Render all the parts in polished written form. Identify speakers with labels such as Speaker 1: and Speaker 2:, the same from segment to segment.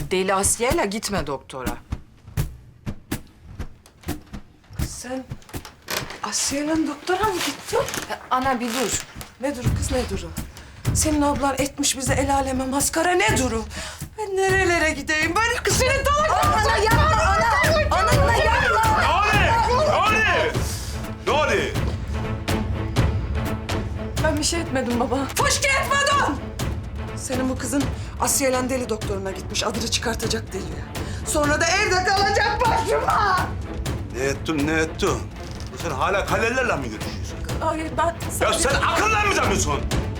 Speaker 1: Deli Asiye'yle gitme doktora.
Speaker 2: Sen Asiye'yle doktora mı gittin?
Speaker 1: Ana bir dur.
Speaker 2: Ne duru kız, ne duru? Senin ablan etmiş bize el aleme maskara, ne duru? Ben nerelere gideyim? Böyle kız senin dalak...
Speaker 3: Ana yapma ana! Ana yapma!
Speaker 4: Ne oldu?
Speaker 2: Ben bir şey etmedim baba. Fışkı etmedim! Senin bu kızın Asiye'yle deli doktoruna gitmiş. Adını çıkartacak deliye. Sonra da evde kalacak başıma.
Speaker 4: Ne ettin? Sen hala kalelerle mi görüşüyorsun?
Speaker 2: Hayır ben...
Speaker 4: Ya sen akıllı mı canıyorsun?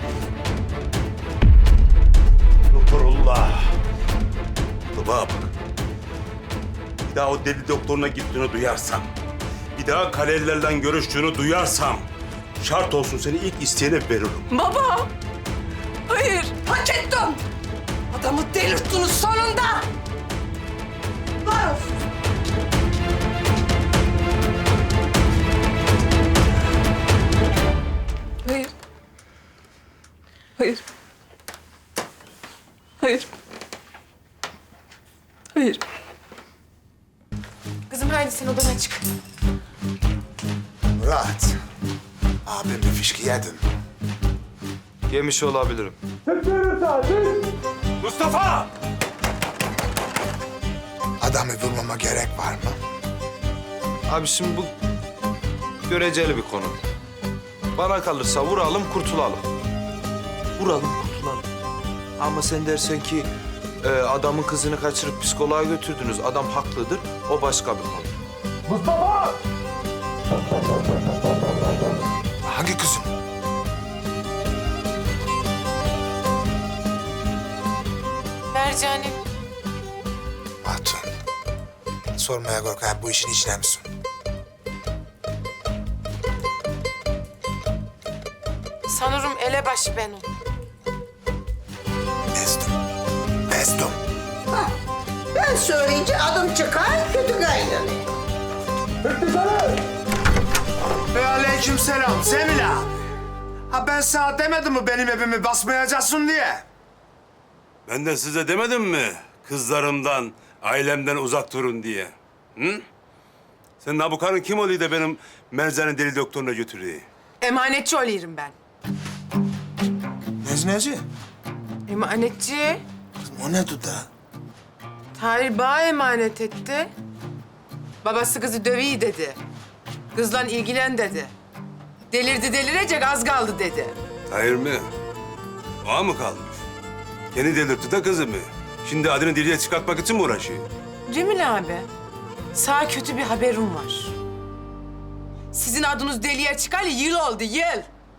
Speaker 4: Doktorullah. Baba bak. Bir daha o deli doktoruna gittiğini duyarsam, bir daha kalelilerle görüştüğünü duyarsam, şart olsun seni ilk isteyene veririm.
Speaker 2: Baba! Hayır, hak ettim. Adamı delirttiniz sonunda. Var olsun. Hayır. Hayır. Hayır. Hayır.
Speaker 1: Kızım haydi sen odana çık.
Speaker 5: Murat, abim bir fişki yedin.
Speaker 6: Yemiş olabilirim.
Speaker 4: Mustafa!
Speaker 5: Adamı vurmama gerek var mı?
Speaker 6: Abi şimdi bu göreceli bir konu. Bana kalırsa vuralım, kurtulalım. Vuralım, kurtulalım. Ama sen dersen ki adamın kızını kaçırıp psikoloğa götürdünüz. Adam haklıdır, o başka bir konu.
Speaker 5: Hangi kızım?
Speaker 1: Mercan'ım.
Speaker 5: Hatun. Sormaya korkar, bu işin içine misin?
Speaker 1: Sanırım elebaşı benim.
Speaker 5: Mestum. Mestum.
Speaker 3: Ben söyleyince adım çıkar, kötü kaynanıyor.
Speaker 7: Ve aleyküm selam Cemil abi. Ha ben sana demedim mi benim evimi basmayacaksın diye?
Speaker 4: Ben de size demedim mi kızlarımdan, ailemden uzak durun diye? Hı? Sen bu karın kim oluyor da benim Mercan'ı deli doktoruna götürüyor?
Speaker 1: Emanetçi oluyorum ben.
Speaker 5: Nezneci?
Speaker 1: Emanetçi.
Speaker 5: Kızım o ne duda?
Speaker 1: Tahir bana emanet etti. Babası kızı dövüyor dedi. Kızla ilgilen dedi. Delirdi delirecek az kaldı dedi.
Speaker 4: Hayır mı? O mı kalmış? Kendi delirtti de kızımı. Şimdi adını diliye çıkartmak için mi uğraşıyor?
Speaker 1: Cemil abi, sana kötü bir haberim var. Sizin adınız deliye çıkalı yıl oldu, yıl.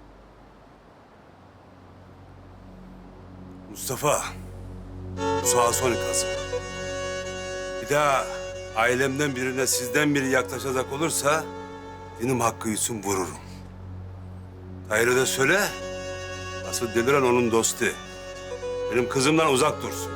Speaker 4: Mustafa, bu sağa son ikazım. Bir daha ailemden birine sizden biri yaklaşacak olursa benim hakkı için vururum. Hayır'a da söyle, asıl deliren onun dostu. Benim kızımdan uzak dursun.